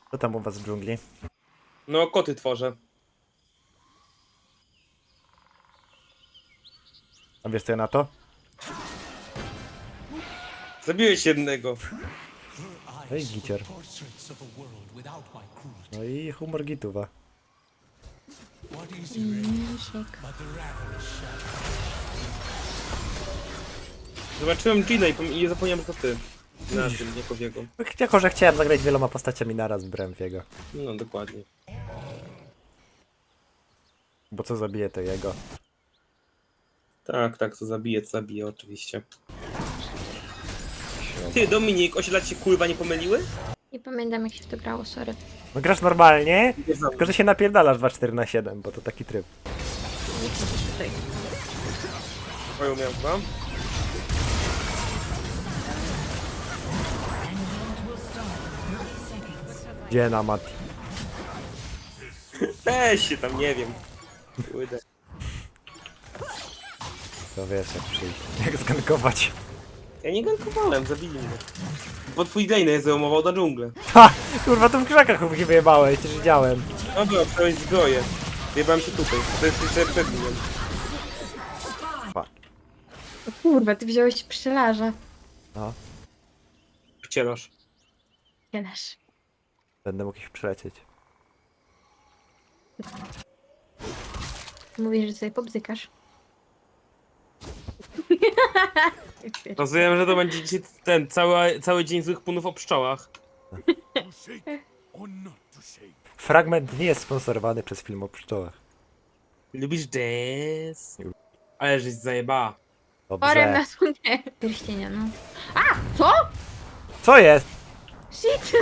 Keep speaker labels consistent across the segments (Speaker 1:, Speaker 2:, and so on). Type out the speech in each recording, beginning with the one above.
Speaker 1: Co tam u was w dżungli?
Speaker 2: No, koty tworzę.
Speaker 1: A wiesz co ja na to?
Speaker 2: Zabiłeś jednego.
Speaker 1: No i gicior. No i humor gituwa.
Speaker 3: Misiek.
Speaker 2: Zobaczyłem Gina i zapomniałem, że to ty. Na tym, nie Kowiego.
Speaker 1: Jako, że chciałem zagrać wieloma postaciami naraz, brałem w jego.
Speaker 2: No, dokładnie.
Speaker 1: Bo co zabije, to jego.
Speaker 2: Tak, tak, to zabije oczywiście. Ty, Dominik, osiedlać się kurwa nie pomyliły?
Speaker 3: Nie pamiętam jak się w to grało, sorry.
Speaker 1: No grasz normalnie,
Speaker 2: Nie znam.
Speaker 1: tylko że się napierdalasz 2-4-7, bo to taki tryb.
Speaker 3: Nie chcesz tutaj.
Speaker 2: Twoją miałem chyba.
Speaker 1: Gdzie na Mati?
Speaker 2: Weź się tam, nie wiem. Kurde.
Speaker 1: To wiesz jak przyjść. Jak zgankować.
Speaker 2: Ja nie gankowałem, zabili mnie. Bo twój Dane zajmował na dżunglę.
Speaker 1: Ha! Kurwa, tu w krzakach mnie wyjebałeś, też widziałem.
Speaker 2: Dobra, wstałeś zbroję. Wjebałem się tutaj. To jest jeszcze przed nim.
Speaker 3: O kurwa, ty wziąłeś pszczelarza.
Speaker 1: No,
Speaker 2: Wcielasz.
Speaker 3: Wiesz.
Speaker 1: będę mógł ich przelecieć.
Speaker 3: Mówisz, że sobie pobzykasz.
Speaker 2: Rozumiem, że to będzie dzisiaj ten cały dzień złych punów o pszczołach.
Speaker 1: Fragment nie jest sponsorowany przez film o pszczołach.
Speaker 2: Lubisz jazz? Ale żeś zajebała.
Speaker 3: Orem
Speaker 1: Dobrze.
Speaker 3: na słonie. Pierścienia, no. A! Co?
Speaker 1: Co jest?
Speaker 3: Shit!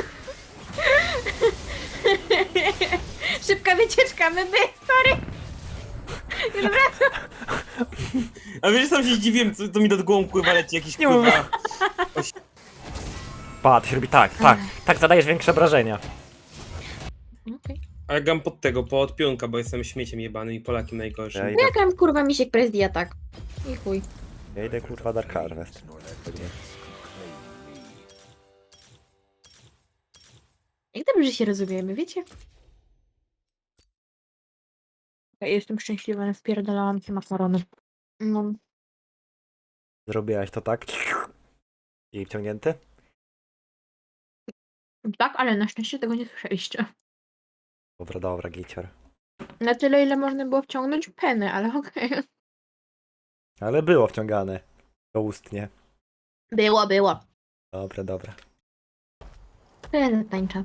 Speaker 3: Szybka wycieczka, my sorry! Już wracam.
Speaker 2: A wiesz, sam się zdziwiłem, co mi do głową pływa leci jakiś
Speaker 1: Nie
Speaker 2: kurwa.
Speaker 1: Pa, to się robi tak, tak. Tak zadajesz większe obrażenia.
Speaker 3: Okej.
Speaker 2: A ja gam pod tego, pod pionka, bo jestem śmieciem jebanym i Polakiem najgorszym.
Speaker 1: Ja idę,
Speaker 3: Jak mam kurwa misiek presdi atak? I chuj.
Speaker 1: ja idę kurwa Dark Harvest.
Speaker 3: Jak dobrze się rozumiemy, wiecie? Ja jestem szczęśliwa, wpierdalałam się makarony. No.
Speaker 1: Zrobiłaś to tak? I wciągnięty?
Speaker 3: Tak, ale na szczęście tego nie słyszeliście.
Speaker 1: Dobra, dobra, gicior.
Speaker 3: Na tyle, ile można było wciągnąć penę, ale okej.
Speaker 1: Ale było wciągane. Doustnie.
Speaker 3: Było.
Speaker 1: Dobra, dobra.
Speaker 3: Tyle tańcza.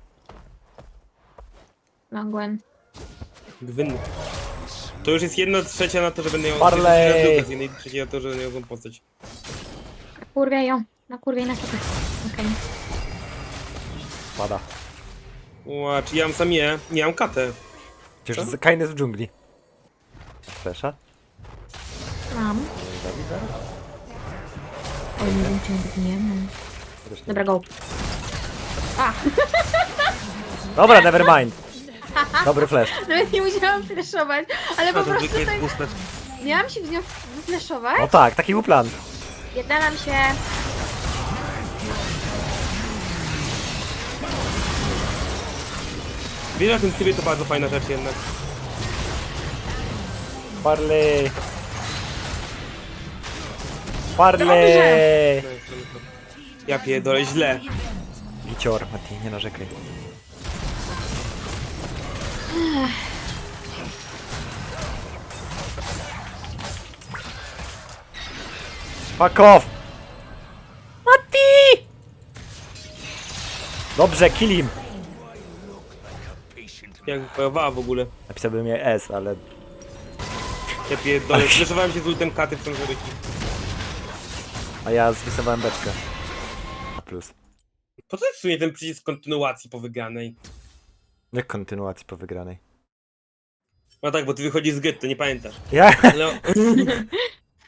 Speaker 3: Magłem.
Speaker 2: Gwyn. To już jest 1/3 na to, że będę ją...
Speaker 1: Barley!
Speaker 2: Z 1/3 na to, że będę ją postać.
Speaker 3: Kurwiaj ją. Na kurwiej na sobie. Okej.
Speaker 1: Pada.
Speaker 2: Ła, czy ja mam sam je? Nie mam katę.
Speaker 1: Przecież
Speaker 2: Co?
Speaker 1: Kain jest w dżungli. Flesza?
Speaker 3: Mam.
Speaker 1: Zabić zaraz?
Speaker 3: Oj, nie wiem, czy nie mam.
Speaker 1: Też nie.
Speaker 3: Dobra, go. A!
Speaker 1: Dobra, never mind. Dobry flash.
Speaker 3: Nawet nie musiałam flashować, ale po
Speaker 2: A to
Speaker 3: prostu
Speaker 2: zwykle
Speaker 3: tak...
Speaker 2: jest puste.
Speaker 3: Miałam się w nią wyflashować.
Speaker 1: No tak, taki był plan.
Speaker 3: Jednalam się.
Speaker 2: Wiesz, na tym trybie to bardzo fajna rzecz jednak.
Speaker 1: Parley. Parley.
Speaker 2: Ja pierdolę, źle.
Speaker 1: Gicior, Mati, nie narzekaj. Fuck off! Mati! Dobrze, kill him.
Speaker 2: Jak wypojowała w ogóle.
Speaker 1: Napisałbym je S, ale...
Speaker 2: Ja pierdolę, zreszowałem się z ultem katy w tą żeryki.
Speaker 1: A ja zrysowałem beczkę. Plus.
Speaker 2: Po co jest w sumie ten przycisk kontynuacji po wygranej?
Speaker 1: Jak kontynuacji po wygranej.
Speaker 2: No tak, bo ty wychodzisz z getto, nie pamiętasz.
Speaker 1: Ja?
Speaker 2: Ale...